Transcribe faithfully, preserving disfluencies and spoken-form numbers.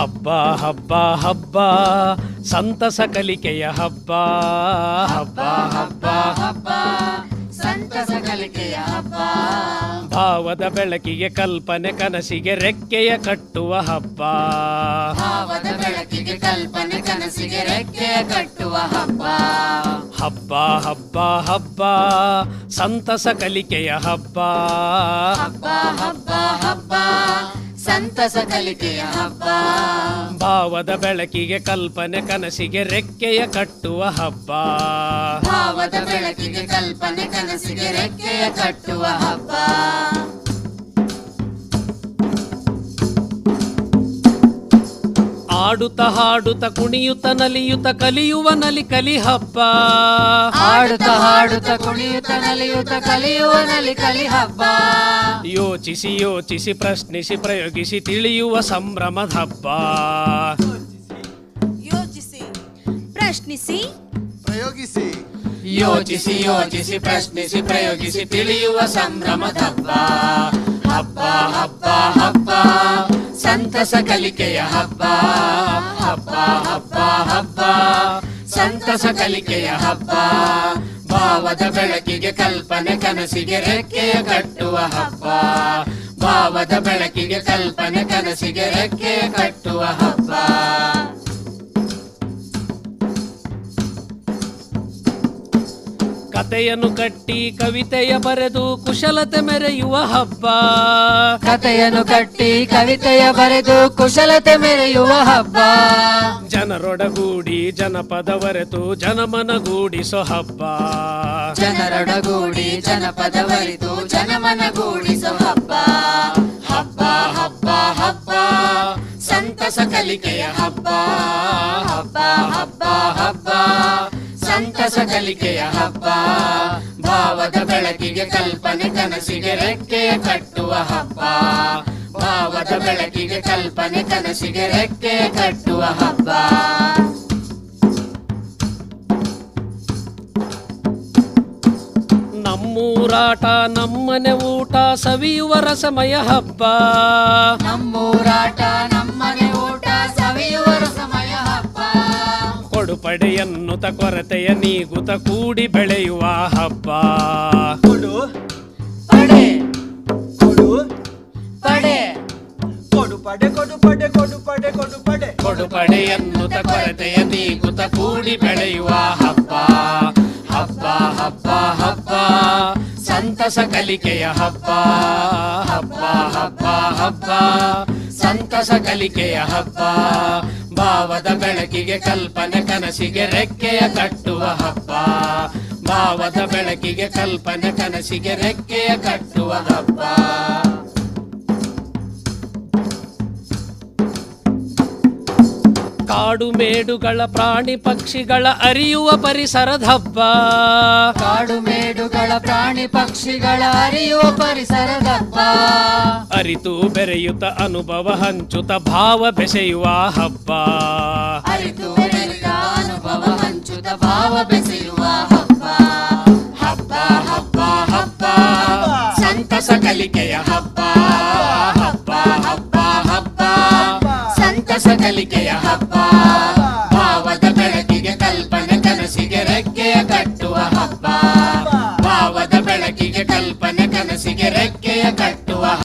ಹಬ್ಬ ಹಬ್ಬ ಹಬ್ಬ ಸಂತಸ ಕಲಿಕೆಯ ಹಬ್ಬ. ಹಬ್ಬ ಹಬ್ಬ ಹಬ್ಬ ಸಂತಸ ಕಲಿಕೆಯ ಹಬ್ಬ. ಭಾವದ ಬೆಳಕಿಗೆ ಕಲ್ಪನೆ ಕನಸಿಗೆ ರೆಕ್ಕೆಯ ಕಟ್ಟುವ ಹಬ್ಬ. ಭಾವದ ಬೆಳಕಿಗೆ ಕಲ್ಪನೆ ಕನಸಿಗೆ ರೆಕ್ಕೆಯ ಕಟ್ಟುವ ಹಬ್ಬ. ಹಬ್ಬ ಹಬ್ಬ ಹಬ್ಬ ಸಂತಸ ಕಲಿಕೆಯ ಹಬ್ಬ. ಹಬ್ಬ ಹಬ್ಬ ಹಬ್ಬ ಸಂತಸ ಕಲಿಕೆಯ ಹಬ್ಬ. ಭಾವದ ಬೆಳಕಿಗೆ ಕಲ್ಪನೆ ಕನಸಿಗೆ ರೆಕ್ಕೆಯ ಕಟ್ಟುವ ಹಬ್ಬ. ಭಾವದ ಬೆಳಕಿಗೆ ಕಲ್ಪನೆ ಕನಸಿಗೆ ರೆಕ್ಕೆಯ ಕಟ್ಟುವ ಹಬ್ಬ. ಆಡುತ್ತ ಹಾಡುತ್ತ ಕುಣಿಯುತ್ತ ನಲಿಯುತ್ತ ಕಲಿಯುವ ನಲಿ ಕಲಿ ಹಬ್ಬ. ಆಡುತ್ತ ಹಾಡುತ್ತ ಕುಣಿಯುತ್ತ ನಲಿಯುತ್ತ ಕಲಿಯುವ ನಲಿ ಕಲಿ ಹಬ್ಬ. ಯೋಚಿಸಿ ಯೋಚಿಸಿ ಪ್ರಶ್ನಿಸಿ ಪ್ರಯೋಗಿಸಿ ತಿಳಿಯುವ ಸಂಭ್ರಮದ ಹಬ್ಬ. ಯೋಚಿಸಿ ಪ್ರಶ್ನಿಸಿ ಪ್ರಯೋಗಿಸಿ ಯೋಚಿಸಿ ಯೋಚಿಸಿ ಪ್ರಶ್ನಿಸಿ ಪ್ರಯೋಗಿಸಿ ತಿಳಿಯುವ ಸಂಭ್ರಮದ ಹಬ್ಬ. ಹಬ್ಬ ಹಬ್ಬ ಹಬ್ಬ ಸಂತಸ ಕಲಿಕೆಯ ಹಬ್ಬ. ಹಬ್ಬ ಹಬ್ಬ ಹಬ್ಬ ಸಂತಸ ಕಲಿಕೆಯ ಹಬ್ಬ. ಭಾವದ ಬೆಳಕಿಗೆ ಕಲ್ಪನೆ ಕನಸಿಗೆ ರೆಕ್ಕೆಯ ಕಟ್ಟುವ ಹಬ್ಬ. ಭಾವದ ಬೆಳಕಿಗೆ ಕಲ್ಪನೆ ಕನಸಿಗೆ ರೆಕ್ಕೆಯ ಕಟ್ಟುವ ಹಬ್ಬ. ಕತೆಯನ್ನು ಕಟ್ಟಿ ಕವಿತೆಯ ಬರೆದು ಕುಶಲತೆ ಮೆರೆಯುವ ಹಬ್ಬ. ಕತೆಯನ್ನು ಕಟ್ಟಿ ಕವಿತೆಯ ಬರೆದು ಕುಶಲತೆ ಮೆರೆಯುವ ಹಬ್ಬ. ಜನರೊಡಗೂಡಿ ಜನಪದವರೆತು ಜನಮನಗೂಡಿಸೋ ಹಬ್ಬ. ಜನರೊಡಗೂಡಿ ಜನಪದವರಿತು ಜನಮನಗೂಡಿಸೋ ಹಬ್ಬ. ಹಬ್ಬ ಹಬ್ಬ ಹಬ್ಬ ಸಂತಸ ಕಲಿಕೆಯ ಹಬ್ಬ. ಹಬ್ಬ ಹಬ್ಬ ಹಬ್ಬ ಸಂತಸ ಕಲಿಕೆಯ ಹಬ್ಬ. ಭಾವದ ಬೆಳಕಿಗೆ ಕಲ್ಪನೆ ಕನಸಿಗೆ ರೆಕ್ಕೆಯ ಕಟ್ಟುವ ಹಬ್ಬ. ಭಾವದ ಬೆಳಕಿಗೆ ಕಲ್ಪನೆ ಕನಸಿಗೆ ರೆಕ್ಕೆಯ ಕಟ್ಟುವ ಹಬ್ಬ. ನಮ್ಮೂರಾಟ ನಮ್ಮನೆ ಊಟ ಸವಿಯುವ ರಸಮಯ ಹಬ್ಬ. ನಮ್ಮೂರಾಟ ನಮ್ಮನೆ ಊಟ ಸವಿಯುವ ರಸಮಯ ಹಬ್ಬ. ಕೊಡುಪಡೆಯನ್ನುತ ಕೊರತೆಯ ನೀಗುತ ಕೂಡಿ ಬೆಳೆಯುವ ಹಬ್ಬ. ಕೊಡು ಪಡೆ ಕೊಡು ಪಡೆ ಕೊಡು ಪಡೆ ಕೊಡು ಪಡೆ ಕೊಡು ಪಡೆ ಕೊಡು ಪಡೆ ಕೊಡುಪಡೆಯನ್ನುತ ಕೊರತೆಯ ನೀಗುತ ಕೂಡಿ ಬೆಳೆಯುವ ಹಬ್ಬ. ಹಬ್ಬ ಹಬ್ಬ ಹಬ್ಬ ಸಂತಸ ಕಲಿಕೆಯ ಹಬ್ಬ. ಹಬ್ಬ ಹಬ್ಬ ಹಬ್ಬ ಸಂತಸ ಕಲಿಕೆಯ ಹಬ್ಬ. ಭಾವದ ಬೆಳಕಿಗೆ ಕಲ್ಪನೆ ಕನಸಿಗೆ ರೆಕ್ಕೆಯ ಕಟ್ಟುವ ಹಬ್ಬ. ಭಾವದ ಬೆಳಕಿಗೆ ಕಲ್ಪನೆ ಕನಸಿಗೆ ರೆಕ್ಕೆಯ ಕಟ್ಟುವ ಹಬ್ಬ. ಕಾಡು ಮೇಡುಗಳ ಪ್ರಾಣಿ ಪಕ್ಷಿಗಳ ಅರಿಯುವ ಪರಿಸರದ ಹಬ್ಬ. ಕಾಡು ಮೇಡುಗಳ ಪ್ರಾಣಿ ಪಕ್ಷಿಗಳ ಅರಿಯುವ ಪರಿಸರದ ಹಬ್ಬ. ಅರಿತು ಬೆರೆಯುತ್ತ ಅನುಭವ ಹಂಚುತ್ತ ಭಾವ ಬೆಸೆಯುವ ಹಬ್ಬ. ಅರಿತು ಬೆರೆತ ಅನುಭವ ಹಂಚುತ್ತ ಭಾವ ಬೆಸೆಯುವ ಹಬ್ಬ. ಹಬ್ಬ ಹಬ್ಬ ಹಬ್ಬ ಸಂತಸ ಕಲಿಕೆಯ ಹಬ್ಬ. ಹಬ್ಬ ಹಬ್ಬ ಹಬ್ಬ ಸಂತಸ ಕಲಿಕೆಯ ಹಬ್ಬ.